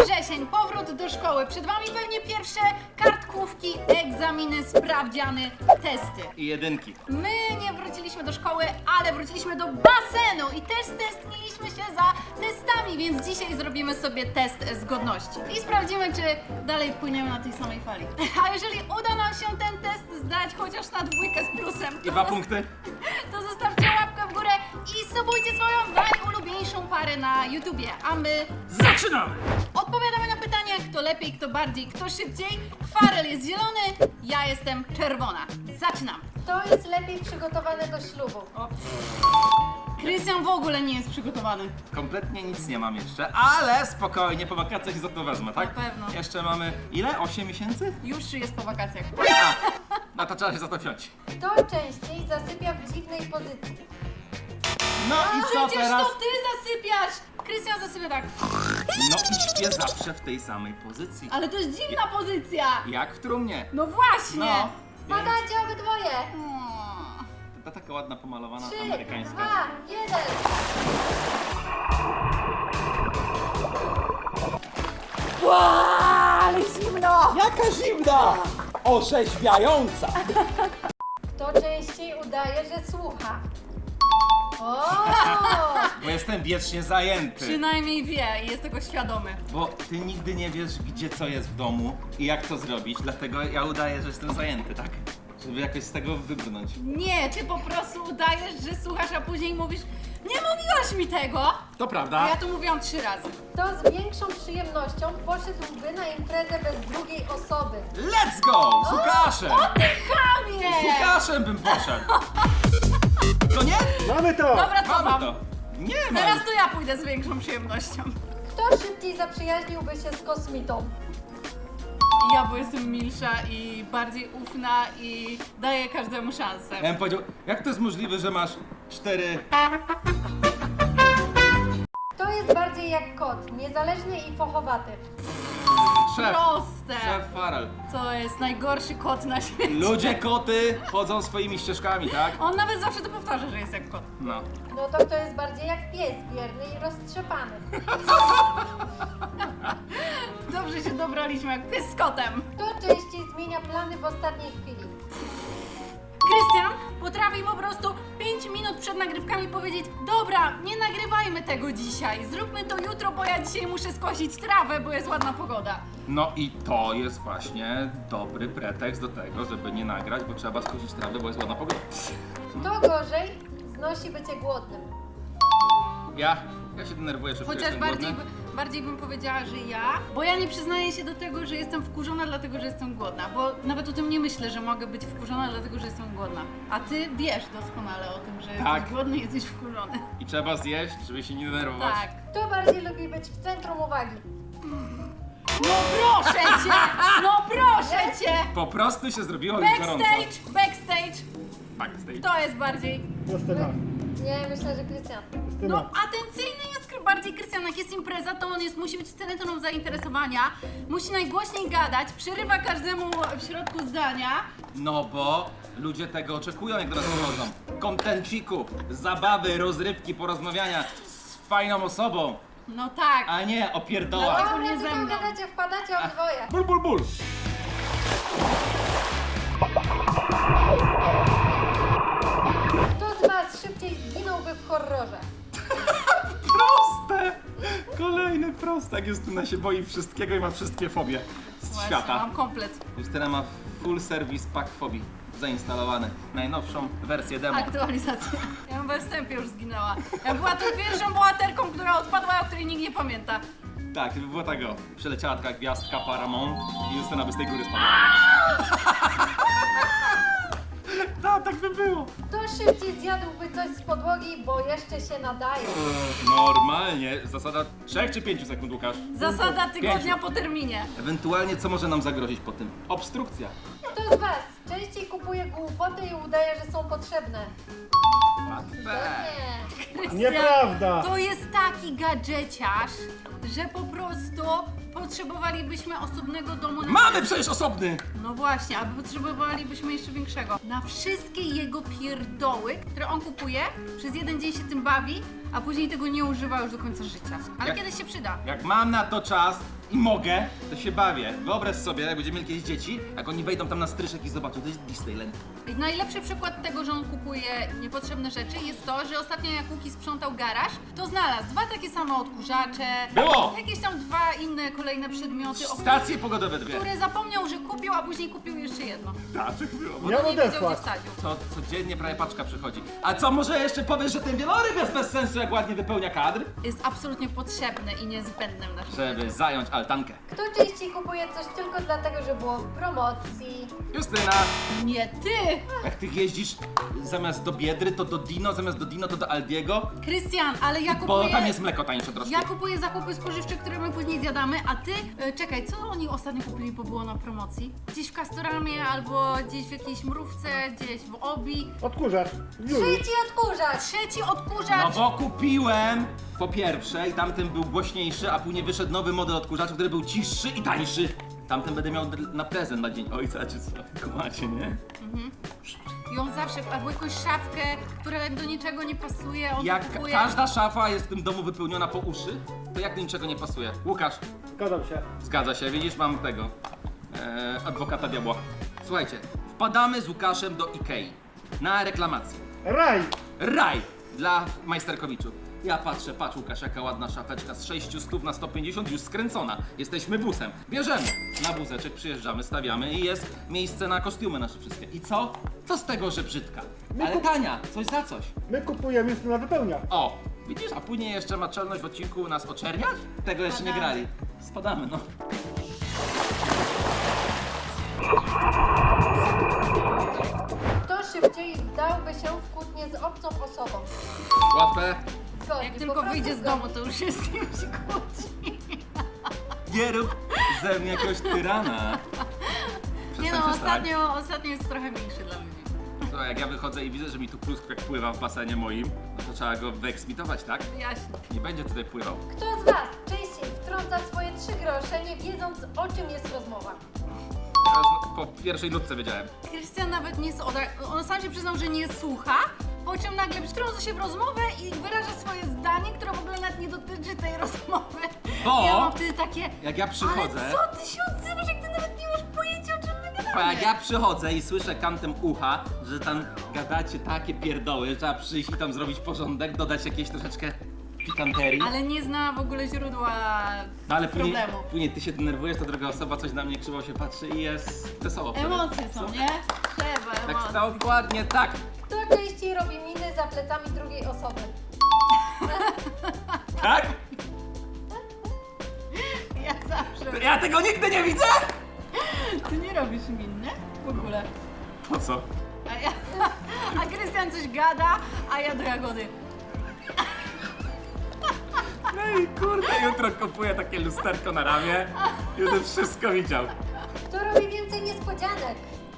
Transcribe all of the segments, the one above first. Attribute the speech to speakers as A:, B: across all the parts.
A: wrzesień, powrót do szkoły. Przed wami pewnie pierwsze kartkówki, egzaminy, sprawdziany, testy.
B: I jedynki.
A: My nie wróciliśmy do szkoły, ale wróciliśmy do basenu i też testniliśmy się za testami, więc dzisiaj zrobimy sobie test zgodności. I sprawdzimy, czy dalej płyniemy na tej samej fali. A jeżeli uda nam się ten test zdać chociaż na 2 z plusem,
B: I 2 punkty.
A: to zostawcie łapkę w górę i subujcie swoją najulubieńszą parę na YouTubie. A my
B: Zaczynamy!
A: odpowiadamy na pytania, kto lepiej, kto bardziej, kto szybciej. Farel jest zielony, ja jestem czerwona. Zaczynamy.
C: Kto jest lepiej przygotowany do ślubu?
A: Krystian w ogóle nie jest przygotowany.
B: Kompletnie nic nie mam jeszcze, ale spokojnie, po wakacjach za to wezmę, tak?
A: Na pewno.
B: Jeszcze mamy, ile? 8 miesięcy?
A: Już jest po wakacjach.
B: A, no to trzeba się za to wziąć.
C: Kto częściej zasypia w dziwnej pozycji?
B: No i co
A: Przecież
B: teraz?
A: to ty zasypiasz! Krystian zasypia tak.
B: No i śpię zawsze w tej samej pozycji.
A: Ale to jest dziwna pozycja.
B: Jak w trumnie.
A: No właśnie.
B: No, więc
C: Padacie obydwoje!
B: to taka ładna, pomalowana
C: 3,
B: amerykańska.
C: 2, 1.
A: Ale zimno!
D: Jaka zimna! Orzeźwiająca!
C: Kto częściej udaje, że słucha? O!
B: Bo jestem wiecznie zajęty.
A: Przynajmniej wie i jest tego świadomy.
B: Bo ty nigdy nie wiesz, gdzie co jest w domu i jak to zrobić, dlatego ja udaję, że jestem zajęty, tak? Żeby jakoś z tego wybrnąć.
A: Nie, ty po prostu udajesz, że słuchasz, a później mówisz: nie mówiłaś mi tego!
B: To
A: A
B: prawda.
A: ja to mówiłam 3 razy.
C: Kto z większą przyjemnością poszedłby na imprezę bez drugiej osoby?
B: Let's go! Z Łukaszem!
A: O ty chamie!
B: Z Łukaszem bym poszedł! To nie?
D: Mamy to!
A: Dobra, co
B: Mamy
A: mam?
B: to. Nie ma.
A: Teraz to ja pójdę z większą przyjemnością.
C: Kto szybciej zaprzyjaźniłby się z kosmitą?
A: Ja, bo jestem milsza i bardziej ufna i daję każdemu szansę.
B: Ja bym powiedział, jak to jest możliwe, że masz 4...
C: Kto jest bardziej jak kot? Niezależny i fochowaty.
B: Szef.
A: Proste!
B: Szef Farel.
A: To jest najgorszy kot na świecie.
B: Ludzie, koty chodzą swoimi ścieżkami, tak?
A: On nawet zawsze to powtarza, że jest jak kot.
B: No.
C: No to kto jest bardziej jak pies? Wierny i roztrzepany.
A: Dobrze się dobraliśmy, jak pies z kotem.
C: Kto częściej zmienia plany w ostatniej chwili?
A: Krystian potrafi po prostu 5 minut przed nagrywkami powiedzieć: dobra, nie nagrywajmy tego dzisiaj, zróbmy to jutro, bo ja dzisiaj muszę skosić trawę, bo jest ładna pogoda.
B: No i to jest właśnie dobry pretekst do tego, żeby nie nagrać, bo trzeba skosić trawę, bo jest ładna pogoda.
C: Kto gorzej znosi bycie głodnym?
B: Ja się denerwuję, że
A: Chociaż
B: jestem głodny.
A: bardziej bym powiedziała, że ja, bo ja nie przyznaję się do tego, że jestem wkurzona dlatego, że jestem głodna, bo nawet o tym nie myślę, że mogę być wkurzona dlatego, że jestem głodna. A ty wiesz doskonale o tym, że
B: Tak.
A: jesteś głodny i jesteś wkurzony.
B: I trzeba zjeść, żeby się nie denerwować.
A: Tak.
C: Kto bardziej lubi być w centrum uwagi?
A: No proszę cię! No proszę cię!
B: Po prostu się zrobiło mi gorąco.
A: Backstage!
B: Backstage.
A: To jest bardziej...
D: Justyna.
C: Nie, myślę, że Krystian.
A: No atencyjny jest bardziej Krystian, jak jest impreza, to on musi być centrum zainteresowania, musi najgłośniej gadać, przerywa każdemu w środku zdania.
B: No bo ludzie tego oczekują, jak do nas przychodzą. Kontenciku, zabawy, rozrywki, porozmawiania z fajną osobą,
A: No tak.
B: a nie opierdoła.
A: Dlatego
C: Dobra,
A: nie ze
C: tylko
A: mną.
C: gadacie, wpadacie obydwoje.
B: Ból, ból, ból.
C: Kto z was szybciej zginąłby w horrorze?
B: Proste! Kolejny prostak. Justyna się boi wszystkiego i ma wszystkie fobie z
A: Właśnie,
B: świata.
A: mam komplet.
B: Justyna ma full service pack fobii zainstalowany. Najnowszą wersję demo.
A: Aktualizacja. Ja bym we wstępie już zginęła. Ja była tą pierwszą bohaterką, która odpadła, o której nikt nie pamięta.
B: Tak, gdyby było tego. Przeleciała taka gwiazdka Paramount i Justyna by z tej góry spadła. Tak by było.
C: Kto szybciej zjadłby coś z podłogi, bo jeszcze się nadaje?
B: Normalnie. Zasada 3 czy 5 sekund, Łukasz?
A: Zasada tygodnia
B: 5.
A: po terminie.
B: Ewentualnie co może nam zagrozić po tym? Obstrukcja.
C: Kto z was częściej kupuje głupoty i udaje, że są potrzebne?
B: Łatwe.
C: Nie.
D: Nieprawda!
A: To jest taki gadżeciarz, że po prostu potrzebowalibyśmy osobnego domu na...
B: Mamy przecież osobny!
A: No właśnie, a potrzebowalibyśmy jeszcze większego. Na wszystkie jego pierdoły, które on kupuje, przez jeden dzień się tym bawi, a później tego nie używa już do końca życia. Ale
B: Jak-
A: kiedyś się przyda.
B: Jak mam na to czas i mogę, to się bawię. Wyobraź sobie, jak będziemy mieli kiedyś dzieci, jak oni wejdą tam na stryszek i zobaczą, to jest Disneyland.
A: I najlepszy przykład tego, że on kupuje niepotrzebne rzeczy jest to, że ostatnio jak Łuki sprzątał garaż, to znalazł 2 takie same odkurzacze,
B: Było!
A: jakieś tam 2 inne kolejne przedmioty,
B: Stacje pogodowe 2.
A: które zapomniał, że kupił, a później kupił jeszcze jedno.
B: Tak, było.
A: Bo
D: Miał
A: nie wiedział,
D: odesłać.
A: gdzie wsadził.
B: Codziennie prawie paczka przychodzi. A co, może jeszcze powiesz, że ten wieloryb jest bez sensu, jak ładnie wypełnia kadr?
A: Jest absolutnie potrzebny i niezbędny w naszym
B: Żeby zająć altankę.
C: Kto częściej kupuje coś tylko dlatego, że było w promocji?
B: Justyna,
A: Nie ty!
B: jak ty jeździsz zamiast do Biedry, to do Dino, zamiast do Dino, to do Aldiego,
A: Krystian, ale ja
B: bo
A: kupuję...
B: tam jest mleko tańsze troszkę.
A: Ja kupuję zakupy spożywcze, które my później zjadamy, a ty, czekaj, co oni ostatnio kupili, bo było na promocji? Gdzieś w Castoramie, albo gdzieś w jakiejś mrówce, gdzieś w Obi.
D: Odkurzacz. Już.
C: Trzeci odkurzacz!
A: Trzeci
B: No
A: odkurzacz!
B: bo kupiłem po pierwsze i tamten był głośniejszy, a później wyszedł nowy model odkurzacza, który był cichszy i tańszy. Tamten będę miał na prezent na dzień ojca, czy co? Kumacie, nie?
A: I on zawsze, albo jakąś szafkę, która do niczego nie pasuje, on
B: Jak
A: kupuje.
B: każda szafa jest w tym domu wypełniona po uszy, to jak do niczego nie pasuje? Łukasz,
D: Zgadzam się.
B: zgadza się, widzisz, mam tego, adwokata diabła. Słuchajcie, wpadamy z Łukaszem do Ikei na reklamację.
D: Raj!
B: Raj dla majsterkowiczów. Ja patrzę, patrz Łukasz, jaka ładna szafeczka z 600 na 150 już skręcona. Jesteśmy busem. Bierzemy. Na wózeczek przyjeżdżamy, stawiamy i jest miejsce na kostiumy nasze wszystkie. I co? Co z tego, że brzydka? Ale tania, coś za coś.
D: My kupujemy Justyna wypełnia.
B: O, widzisz, a później jeszcze ma czelność w odcinku nas oczerniać? Tego jeszcze nie grali. Spadamy, no.
C: Kto szybciej wdałby się w kłótnię z obcą osobą?
B: Łatwe.
C: Zgodnie,
A: Jak
C: po
A: tylko
C: prostu
A: wyjdzie z
C: zgodnie.
A: domu, to już jest z kimś kłóci.
B: Nie rób ze mnie jakiegoś tyrana.
A: Nie no,
B: Przestań.
A: ostatnio jest trochę mniejszy dla ludzi.
B: Słuchaj, jak ja wychodzę i widzę, że mi tu pluskwek pływa w basenie moim, no to trzeba go wyeksmitować, tak?
A: Jaśnie.
B: Nie będzie tutaj pływał.
C: Kto z Was częściej wtrąca swoje 3 grosze, nie wiedząc, o czym jest rozmowa?
B: Teraz po pierwszej nutce wiedziałem.
A: Krystian nawet nie on sam się przyznał, że nie słucha, po czym nagle wtrąca się w rozmowę i wyraża swoje zdanie, które w ogóle nawet nie dotyczy tej rozmowy.
B: Bo-
A: Ja mam wtedy takie,
B: Jak ja przychodzę,
A: ale co ty się odzywasz, jak ty nawet nie masz pojęcia, o czym my
B: bo
A: gadamy?
B: jak ja przychodzę i słyszę kantem ucha, że tam gadacie takie pierdoły, że trzeba przyjść i tam zrobić porządek, dodać jakieś troszeczkę pikanterii.
A: Ale nie zna w ogóle źródła
B: No ale później,
A: problemu.
B: później ty się denerwujesz, to druga osoba coś na mnie krzywo się patrzy i jest wesoło wtedy.
A: Emocje są, nie? Trzeba
B: Tak,
A: emocje.
B: dokładnie tak.
C: Kto częściej robi miny za plecami drugiej osoby?
B: Tak?
A: Ja zawsze.
B: Ja tego nigdy nie widzę!
A: Ty nie robisz min, nie? W ogóle.
B: Po co?
A: A Krystian coś gada, a ja do Jagody.
B: No i kurde, jutro kupuję takie lusterko na ramię i będę wszystko widział.
C: Kto robi więcej niespodzianek?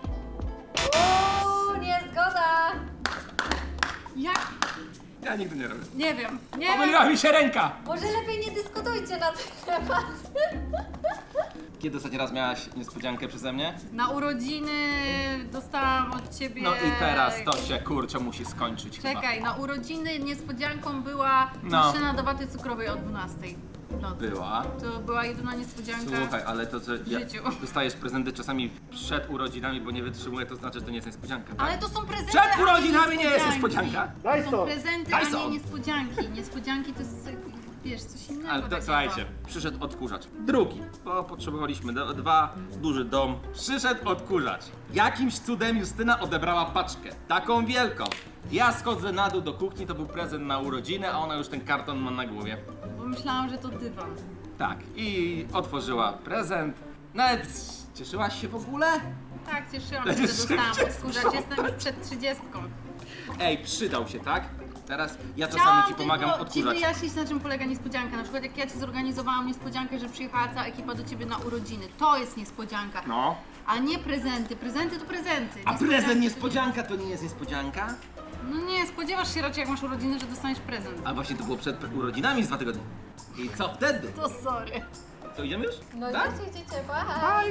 C: Uuu, niezgoda!
A: Jak?
B: Ja nigdy nie robię.
A: Nie wiem. Nie wiem.
B: Pomyliła mi się ręka!
C: Może lepiej nie dyskutujcie na ten temat.
B: Kiedy ostatni raz miałaś niespodziankę przeze mnie?
A: Na urodziny dostałam od ciebie.
B: No i teraz to się kurczę musi skończyć chyba.
A: Czekaj, na urodziny niespodzianką była
B: No.
A: maszyna do waty cukrowej o 12 w nocy.
B: Była.
A: To była jedyna niespodzianka.
B: Słuchaj, ale to, że
A: życiu.
B: dostajesz prezenty czasami przed urodzinami, bo nie wytrzymuje, to znaczy, że to nie jest niespodzianka. Tak?
A: Ale to są prezenty.
B: Przed
A: a nie
B: urodzinami nie jest
A: niespodzianki.
B: niespodzianka.
D: Daj
A: To
D: to.
A: są prezenty, a
B: Dyson.
A: nie niespodzianki. Niespodzianki to jest, wiesz, coś innego.
B: Ale to,
A: takiego.
B: słuchajcie, przyszedł odkurzacz. Drugi, bo potrzebowaliśmy duży dom. Przyszedł odkurzacz. Jakimś cudem Justyna odebrała paczkę. Taką wielką. Ja schodzę na dół do kuchni, to był prezent na urodziny, a ona już ten karton ma na głowie.
A: Bo myślałam, że to dywan.
B: Tak, i otworzyła prezent. Nawet cieszyłaś się w ogóle?
A: Tak, cieszyłam się, że dostałam odkurzacz. Jestem już przed 30.
B: Ej, przydał się, tak? Teraz ja czasami ci pomagam
A: tylko ci
B: odkurzać.
A: wyjaśnić, na czym polega niespodzianka. Na przykład jak ja ci zorganizowałam niespodziankę, że przyjechała cała ekipa do ciebie na urodziny. To jest niespodzianka.
B: No.
A: A nie prezenty. Prezenty to prezenty.
B: A prezent
A: to
B: niespodzianka to nie jest niespodzianka?
A: No nie, spodziewasz się raczej jak masz urodziny, że dostaniesz prezent.
B: A właśnie to było przed urodzinami z 2 tygodnie. I co wtedy?
A: To sorry.
B: Co, idziemy już?
C: No
B: Tak?
C: idziecie, bye.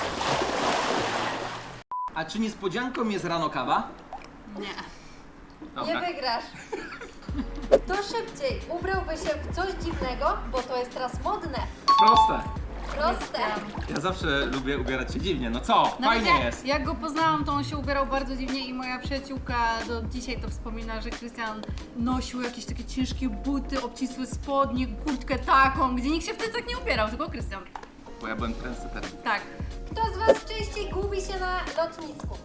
B: A czy niespodzianką jest rano kawa?
A: Nie.
C: Nie
B: Dobra.
C: wygrasz. Kto szybciej ubrałby się w coś dziwnego, bo to jest teraz modne.
B: Proste.
C: Proste.
B: Ja zawsze lubię ubierać się dziwnie. No co? Fajnie jest.
A: Jak go poznałam, to on się ubierał bardzo dziwnie i moja przyjaciółka do dzisiaj to wspomina, że Krystian nosił jakieś takie ciężkie buty, obcisłe spodnie, kurtkę taką, gdzie nikt się wtedy tak nie ubierał, tylko Krystian.
B: Bo ja byłem trendsetterem.
A: Tak.
C: Kto z Was częściej gubi się na lotnisku?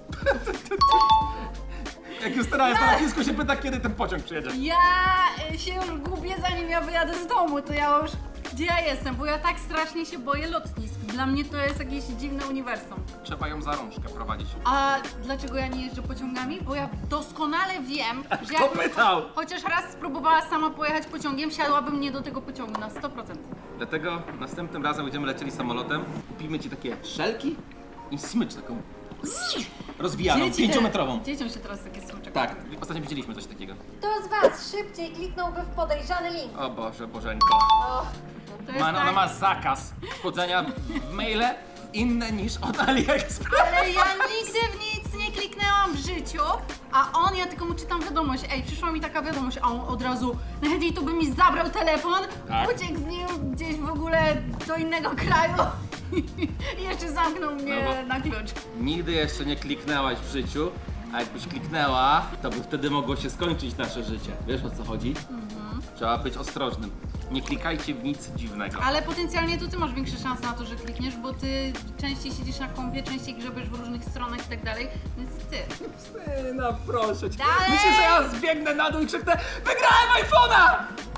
B: Jak Justyna jest na lotnisku, się pyta, kiedy ten pociąg przyjedzie.
A: Ja się już gubię, zanim ja wyjadę z domu, to ja już... Gdzie ja jestem? Bo ja tak strasznie się boję lotnisk. Dla mnie to jest jakieś dziwne uniwersum.
B: Trzeba ją za rączkę prowadzić.
A: A dlaczego ja nie jeżdżę pociągami? Bo ja doskonale wiem, że
B: Kto
A: jakbym
B: pytał?
A: chociaż raz spróbowała sama pojechać pociągiem, wsiadłabym nie do tego pociągu na 100%.
B: Dlatego następnym razem będziemy lecieli samolotem, kupimy ci takie szelki i smycz taką rozwijaną, 5-metrową.
A: Dzieciom się teraz takie smyczek.
B: Tak, ostatnio widzieliśmy coś takiego.
C: Kto z Was szybciej kliknąłby w podejrzany link?
B: O Boże, Bożeńko.
C: O,
A: To jest
B: Ona
A: tak,
B: ma zakaz wchodzenia w maile inne niż od AliExpress.
A: ale ja nigdy w nic nie kliknęłam w życiu, a on, ja tylko mu czytam wiadomość, ej, przyszła mi taka wiadomość, a on od razu, najchętniej to by mi zabrał telefon,
B: Tak.
A: uciekł z nim gdzieś w ogóle do innego kraju i jeszcze zamknął mnie
B: No bo-
A: na klucz.
B: Nigdy jeszcze nie kliknęłaś w życiu, a jakbyś kliknęła, to by wtedy mogło się skończyć nasze życie. Wiesz, o co chodzi? Trzeba być ostrożnym. Nie klikajcie w nic dziwnego.
A: Ale potencjalnie to ty masz większe szanse na to, że klikniesz, bo ty częściej siedzisz na kompie, częściej grzebiesz w różnych stronach i tak dalej, więc ty.
B: Justyna, proszę cię.
A: Dalej!
B: Myślisz, że ja zbiegnę na dół i krzyknę wygrałem iPhone'a!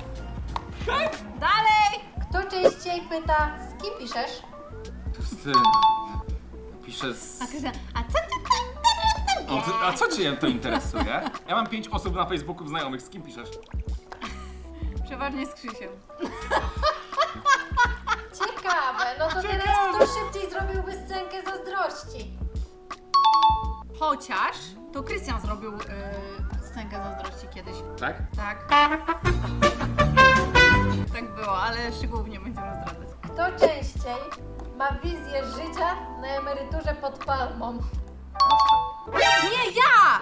A: Dalej!
C: kto częściej pyta, z kim piszesz?
B: Justyna, piszę z...
A: A Krystian, a co ty tam
B: A co cię to interesuje? Ja mam 5 osób na Facebooku znajomych, z kim piszesz?
A: Przeważnie z Krzysiem.
C: Ciekawe, no to
B: Ciekawe.
C: teraz kto szybciej zrobiłby scenkę zazdrości?
A: Chociaż to Krystian zrobił scenkę zazdrości kiedyś.
B: Tak?
A: Tak. Tak było, ale szczegółów nie będziemy zdradzać.
C: Kto częściej ma wizję życia na emeryturze pod palmą?
A: Nie ja!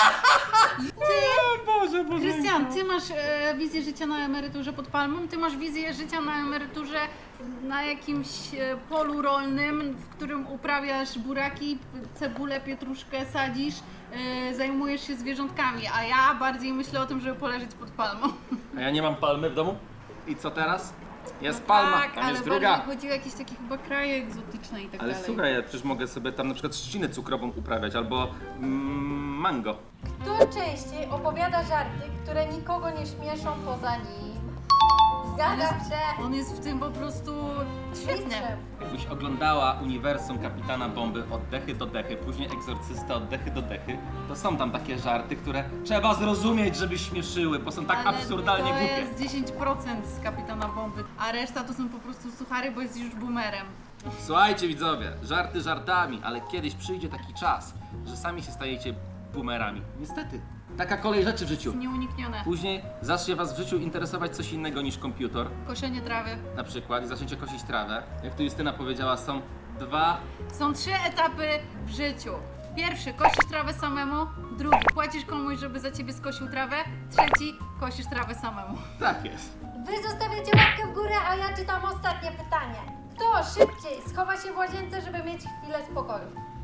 B: O Boże, Boże.
A: Krystian, ty masz wizję życia na emeryturze pod palmą, ty masz wizję życia na emeryturze na jakimś polu rolnym, w którym uprawiasz buraki, cebulę, pietruszkę, sadzisz, zajmujesz się zwierzątkami, a ja bardziej myślę o tym, żeby poleżeć pod palmą.
B: A ja nie mam palmy w domu? I co teraz? Jest palma,
A: tak,
B: tam
A: ale
B: jest
A: bardziej
B: druga.
A: chodzi o jakieś takie chyba kraje egzotyczne i tak
B: Ale
A: dalej.
B: słuchaj, ja przecież mogę sobie tam na przykład trzcinę cukrową uprawiać albo mango.
C: Kto częściej opowiada żarty, które nikogo nie śmieszą poza nim? Zgadzam się.
A: On jest w tym po prostu świetny.
C: Mistrzem.
B: Jakbyś oglądała uniwersum Kapitana Bomby od dechy do dechy, później Egzorcysta od dechy do dechy, to są tam takie żarty, które trzeba zrozumieć, żeby śmieszyły, bo są tak
A: Ale
B: absurdalnie
A: to
B: głupie.
A: jest 10% z Kapitana Bomby, a reszta to są po prostu suchary, bo jest już boomerem.
B: Słuchajcie widzowie, żarty żartami, ale kiedyś przyjdzie taki czas, że sami się stajecie boomerami. Niestety. Taka kolej rzeczy w życiu.
A: Nieuniknione.
B: Później zacznie was w życiu interesować coś innego niż komputer,
A: Koszenie trawy.
B: na przykład, i zaczniecie kosić trawę. Jak tu Justyna powiedziała, są dwa...
A: Są 3 etapy w życiu. Pierwszy, kosisz trawę samemu. Drugi, płacisz komuś, żeby za ciebie skosił trawę. Trzeci, kosisz trawę samemu.
B: Tak jest.
C: Wy zostawiacie łapkę w górę, a ja czytam ostatnie pytanie. Kto szybciej schowa się w łazience, żeby mieć chwilę spokoju?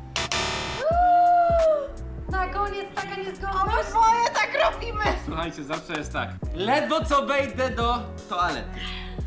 C: Na koniec taka niezgodność.
A: Oboje tak robimy!
B: Słuchajcie, zawsze jest tak. Ledwo co wejdę do toalety.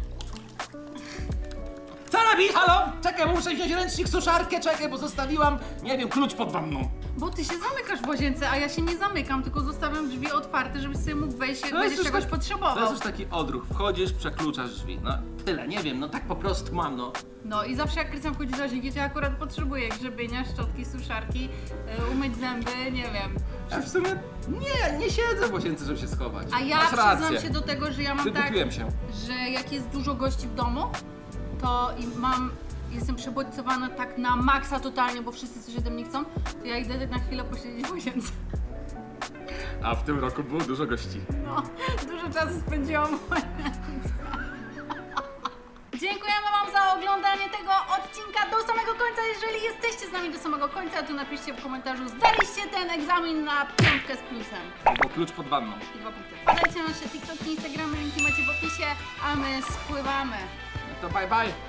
B: Co robi? Halo? Czekaj, muszę wziąć ręcznik, suszarkę, czekaj, bo zostawiłam, nie wiem, klucz pod wanną.
A: Bo ty się zamykasz w łazience, a ja się nie zamykam, tylko zostawiam drzwi otwarte, żebyś sobie mógł wejść, jak
B: To jest
A: będziesz
B: już
A: czegoś
B: tak-
A: potrzebował.
B: To jest już taki odruch. Wchodzisz, przekluczasz drzwi. No tyle, nie wiem, no tak po prostu mam, no.
A: No i zawsze jak Krystian wchodzi do łazienki, to ja akurat potrzebuję grzebienia, szczotki, suszarki, umyć zęby, nie wiem.
B: Ja w sumie nie siedzę w łazience, żeby się schować.
A: A ja
B: Masz
A: przyznam
B: rację.
A: się do tego, że ja mam tak,
B: Wykupiłem się.
A: że jak jest dużo gości w domu, to jestem przebodźcowana tak na maksa totalnie, bo wszyscy coś ode mnie chcą, to ja idę na chwilę posiedzieć w łazience.
B: A w tym roku było dużo gości.
A: No, dużo czasu spędziłam w łazience. Dziękujemy Wam za oglądanie tego odcinka do samego końca. jeżeli jesteście z nami do samego końca, to napiszcie w komentarzu, zdaliście ten egzamin na 5 z plusem.
B: Albo klucz pod wanną.
A: I 2 punkty. Wpadajcie na nasze TikToki, Instagramy, linki macie w opisie, a my spływamy.
B: No to bye bye.